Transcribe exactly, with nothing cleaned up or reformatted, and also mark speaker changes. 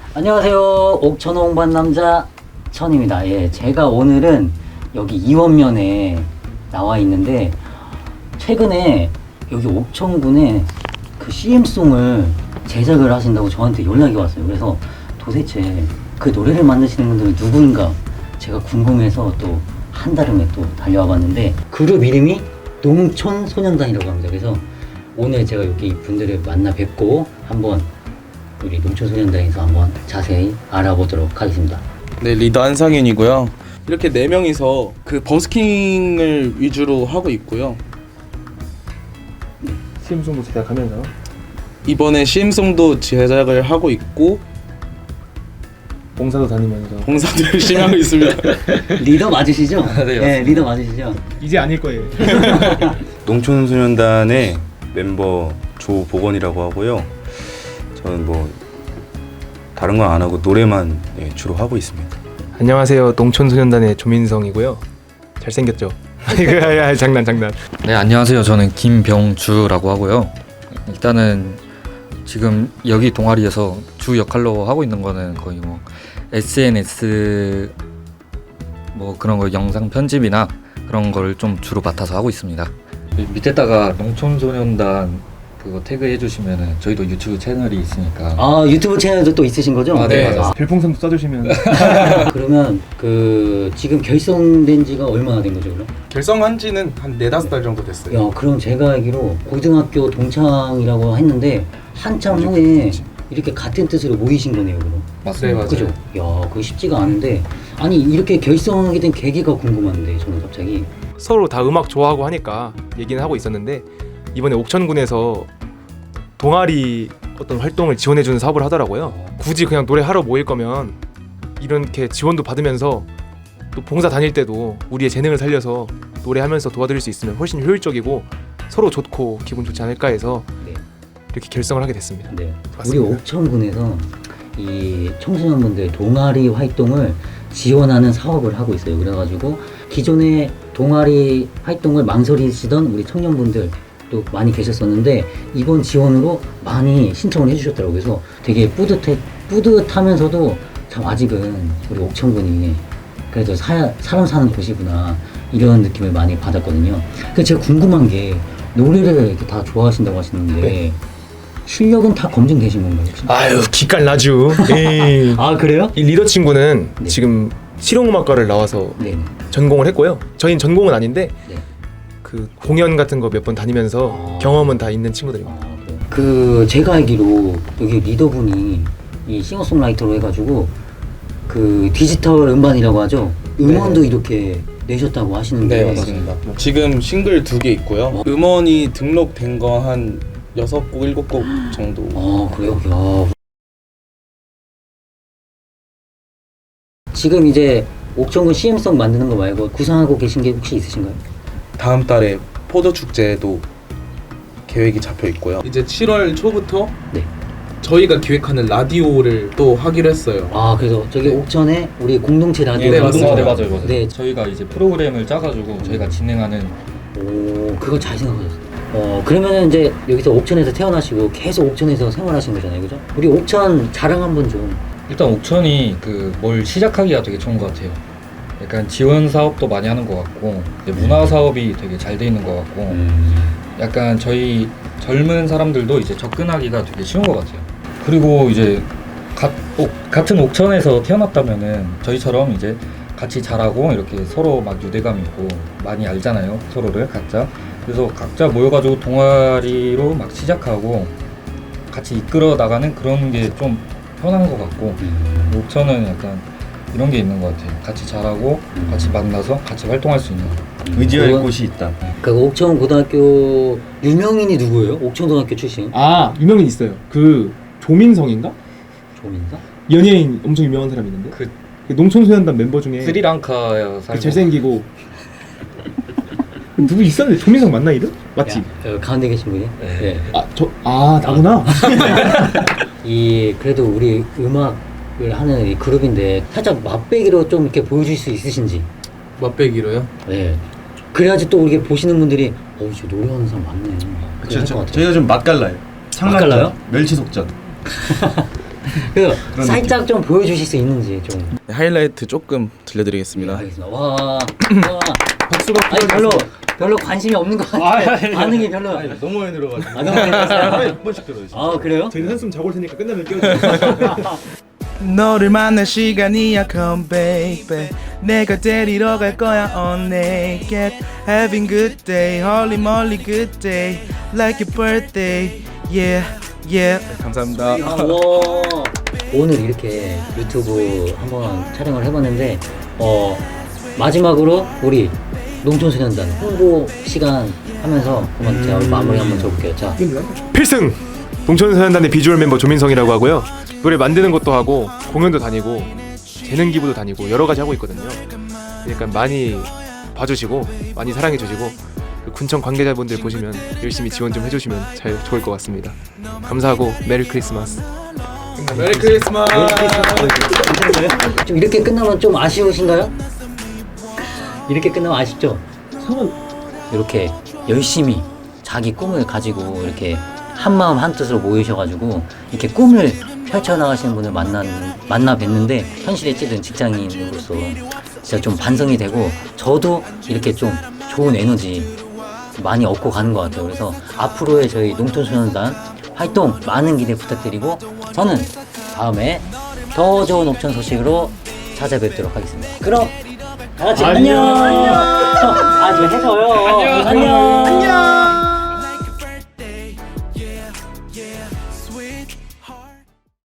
Speaker 1: 안녕하세요. 옥천 홍반 남자 천입니다. 예, 제가 오늘은 여기 이원면에 나와 있는데 최근에 여기 옥천군에 그 씨엠송을 제작을 하신다고 저한테 연락이 왔어요. 그래서 도대체 그 노래를 만드시는 분들은 누구인가 제가 궁금해서 또 한달음에 또 달려와 봤는데 그룹 이름이 농촌소년단이라고 합니다. 그래서 오늘 제가 여기 분들을 만나 뵙고 한번 우리 농촌소년단에서 한번 자세히 알아보도록 하겠습니다.
Speaker 2: 네, 리더 한상윤이고요. 이렇게 네 명이서 그 버스킹을 위주로 하고 있고요.
Speaker 3: 씨엠송도 제작하면서
Speaker 2: 이번에 씨엠송도 제작을 하고 있고
Speaker 3: 봉사도 다니면서
Speaker 2: 봉사도 열심히 하고 있습니다.
Speaker 1: 리더 맞으시죠?
Speaker 4: 네,
Speaker 1: 네, 리더 맞으시죠?
Speaker 3: 이제 아닐 거예요.
Speaker 5: 농촌소년단의 멤버 조보건이라고 하고요. 저는 뭐 다른 건 안 하고 노래만 예, 주로 하고 있습니다.
Speaker 3: 안녕하세요. 농촌소년단의 조민성이고요. 잘생겼죠? 이거 장난 장난.
Speaker 4: 네, 안녕하세요. 저는 김병주라고 하고요. 일단은 지금 여기 동아리에서 주 역할로 하고 있는 거는 거의 뭐 에스엔에스 뭐 그런 거 영상 편집이나 그런 걸 좀 주로 맡아서 하고 있습니다. 밑에다가 농촌소년단 그거 태그해 주시면은 저희도 유튜브 채널이 있으니까.
Speaker 1: 아, 유튜브 채널도 또 있으신 거죠?
Speaker 4: 아, 네, 맞아요.
Speaker 3: 별풍선도 써주시면.
Speaker 1: 그러면 그 지금 결성된 지가 얼마나 된 거죠, 그럼?
Speaker 2: 결성한 지는 한 네다섯 달 정도 됐어요.
Speaker 1: 야, 그럼 제가 알기로 고등학교 동창이라고 했는데 한참 후에 이렇게 같은 뜻으로 모이신 거네요, 그럼.
Speaker 4: 맞습니다.
Speaker 2: 맞아요.
Speaker 1: 그죠? 야, 그거 쉽지가 않은데 아니 이렇게 결성하게 된 계기가 궁금한데 저는 갑자기
Speaker 3: 서로 다 음악 좋아하고 하니까 얘기는 하고 있었는데 이번에 옥천군에서 동아리 어떤 활동을 지원해주는 사업을 하더라고요. 굳이 그냥 노래하러 모일 거면 이렇게 지원도 받으면서 또 봉사 다닐 때도 우리의 재능을 살려서 노래하면서 도와드릴 수 있으면 훨씬 효율적이고 서로 좋고 기분 좋지 않을까 해서
Speaker 1: 네.
Speaker 3: 이렇게 결성을 하게 됐습니다.
Speaker 1: 네. 우리
Speaker 3: 맞습니다.
Speaker 1: 옥천군에서 이 청소년분들 동아리 활동을 지원하는 사업을 하고 있어요. 그래가지고 기존에 동아리 활동을 망설이시던 우리 청년분들 또 많이 계셨었는데 이번 지원으로 많이 신청을 해주셨더라고요. 그래서 되게 뿌듯해, 뿌듯하면서도 참 아직은 우리 옥천군이 그래도 사, 사람 사는 곳이구나 이런 느낌을 많이 받았거든요. 그래서 제가 궁금한 게 노래를 이렇게 다 좋아하신다고 하시는데
Speaker 3: 네.
Speaker 1: 실력은 다 검증되신 건가요? 혹시?
Speaker 3: 아유 기깔 나죠. 에이.
Speaker 1: 아 그래요?
Speaker 3: 이 리더 친구는
Speaker 1: 네.
Speaker 3: 지금 실용음악과를 나와서
Speaker 1: 네.
Speaker 3: 전공을 했고요. 저희는 전공은 아닌데
Speaker 1: 네.
Speaker 3: 그 공연 같은 거 몇 번 다니면서
Speaker 1: 아.
Speaker 3: 경험은 다 있는 친구들입니다.
Speaker 1: 아, 그래요? 그 제가 알기로 여기 리더분이 이 싱어송라이터로 해가지고 그 디지털 음반이라고 하죠. 음원도 이렇게 내셨다고 하시는데
Speaker 2: 네, 맞습니다. 지금 싱글 두 개 있고요. 음원이 등록된 거 한 여섯 곡, 일곱 곡 정도.
Speaker 1: 아 그래요? 야. 지금 이제 옥천군 씨엠송 만드는 거 말고 구상하고 계신 게 혹시 있으신가요?
Speaker 2: 다음 달에 포도 축제도 계획이 잡혀 있고요. 이제 칠월 초부터
Speaker 1: 네.
Speaker 2: 저희가 기획하는 라디오를 또 하기로 했어요.
Speaker 1: 아 그래서 저기
Speaker 2: 네.
Speaker 1: 옥천에 우리 공동체 라디오
Speaker 2: 네, 맞습니다.
Speaker 4: 네, 맞아요, 맞아요.
Speaker 1: 네.
Speaker 4: 저희가 이제 프로그램을 짜가지고 저희가 진행하는.
Speaker 1: 오, 그거 잘 생각하셨어요. 어, 그러면은 이제 여기서 옥천에서 태어나시고 계속 옥천에서 생활하신 거잖아요, 그죠? 우리 옥천 자랑 한번 좀.
Speaker 4: 일단 옥천이 그 뭘 시작하기가 되게 좋은 것 같아요. 약간 지원 사업도 많이 하는 것 같고 이제 문화 사업이 되게 잘 돼 있는 것 같고
Speaker 1: 음.
Speaker 4: 약간 저희 젊은 사람들도 이제 접근하기가 되게 쉬운 것 같아요. 그리고 이제 가, 옥, 같은 옥천에서 태어났다면은 저희처럼 이제 같이 자라고 이렇게 서로 막 유대감 있고 많이 알잖아요, 서로를 각자. 그래서 각자 모여가지고 동아리로 막 시작하고 같이 이끌어 나가는 그런 게 좀 편한 것 같고
Speaker 1: 음.
Speaker 4: 옥천은 약간 이런 게 있는 것 같아요. 같이 자라고 같이 만나서 같이 활동할 수 있는.
Speaker 5: 의지할
Speaker 1: 그건-
Speaker 5: 곳이 있다.
Speaker 1: 그 옥천 고등학교 유명인이 누구예요? 옥천고등학교 출신
Speaker 3: 아 유명인 있어요. 그 조민성인가?
Speaker 1: 조민가?
Speaker 3: 연예인 엄청 유명한 사람이 있는데
Speaker 4: 그
Speaker 3: 그 농촌소년단 멤버 중에
Speaker 4: 스리랑카에
Speaker 3: 그
Speaker 4: 살고
Speaker 3: 잘생기고 누구 있었는데 조민성 맞나 이름? 맞지?
Speaker 1: 야, 어, 가운데 계신 분이?
Speaker 4: 네.
Speaker 3: 아 저 아 나구나.
Speaker 1: 이 그래도 우리 음악을 하는 이 그룹인데 살짝 맛배기로 좀 이렇게 보여줄 수 있으신지.
Speaker 2: 맛배기로요?
Speaker 1: 네. 그래야지 또 이렇게 보시는 분들이 어, 저 노래하는 사람 맞네.
Speaker 5: 그렇죠. 저희가 좀 맛깔나요.
Speaker 1: 맛깔나요?
Speaker 5: 멸치속전.
Speaker 1: 그 살짝 좀 보여주실 수 있는지 좀.
Speaker 2: 네, 하이라이트 조금 들려드리겠습니다.
Speaker 1: 알겠습니다. 와, 와.
Speaker 3: 박수가
Speaker 1: 아니 별로 별로 관심이 없는 것 같아요. 반응이 별로.
Speaker 2: 너무 많이 들어가지고.
Speaker 1: 아, 너무 많이 들었어요?
Speaker 2: 한 번씩 들어요.
Speaker 1: 아 그래요?
Speaker 3: 저희는 한숨 자고 올 테니까 끝나면 깨워주세요.
Speaker 6: 너를 만날 시간이야 come baby 내가 데리러 갈 거야 all naked having good day holy moly good day like your birthday yeah yeah 감사합니다.
Speaker 1: 아, 와. 오늘 이렇게 유튜브 한번 촬영을 해봤는데 어 마지막으로 우리 농촌소년단 홍보 시간 하면서 한번 제가 마무리 한번 줘볼게요. 자,
Speaker 3: 필승! 농촌소년단의 비주얼 멤버 조민성이라고 하고요. 노래 만드는 것도 하고 공연도 다니고 재능 기부도 다니고 여러 가지 하고 있거든요. 그러니까 많이 봐주시고 많이 사랑해 주시고 그 군청 관계자분들 보시면 열심히 지원 좀 해주시면 잘 좋을 것 같습니다. 감사하고 메리 크리스마스.
Speaker 2: 메리 크리스마스.
Speaker 1: 좀 이렇게 끝나면 좀 아쉬우신가요? 이렇게 끝나면 아쉽죠? 이렇게 열심히 자기 꿈을 가지고 이렇게 한 마음 한 뜻으로 모이셔가지고 이렇게 꿈을 펼쳐나가시는 분을 만나, 만나 뵀는데 현실에 찌든 직장인으로서 진짜 좀 반성이 되고 저도 이렇게 좀 좋은 에너지 많이 얻고 가는 것 같아요. 그래서 앞으로의 저희 농촌소년단 활동 많은 기대 부탁드리고 저는 다음에 더 좋은 옥천 소식으로 찾아뵙도록 하겠습니다. 그럼 다 같이 안녕. 안녕. 아, 좀 해줘요. 안녕. 안녕.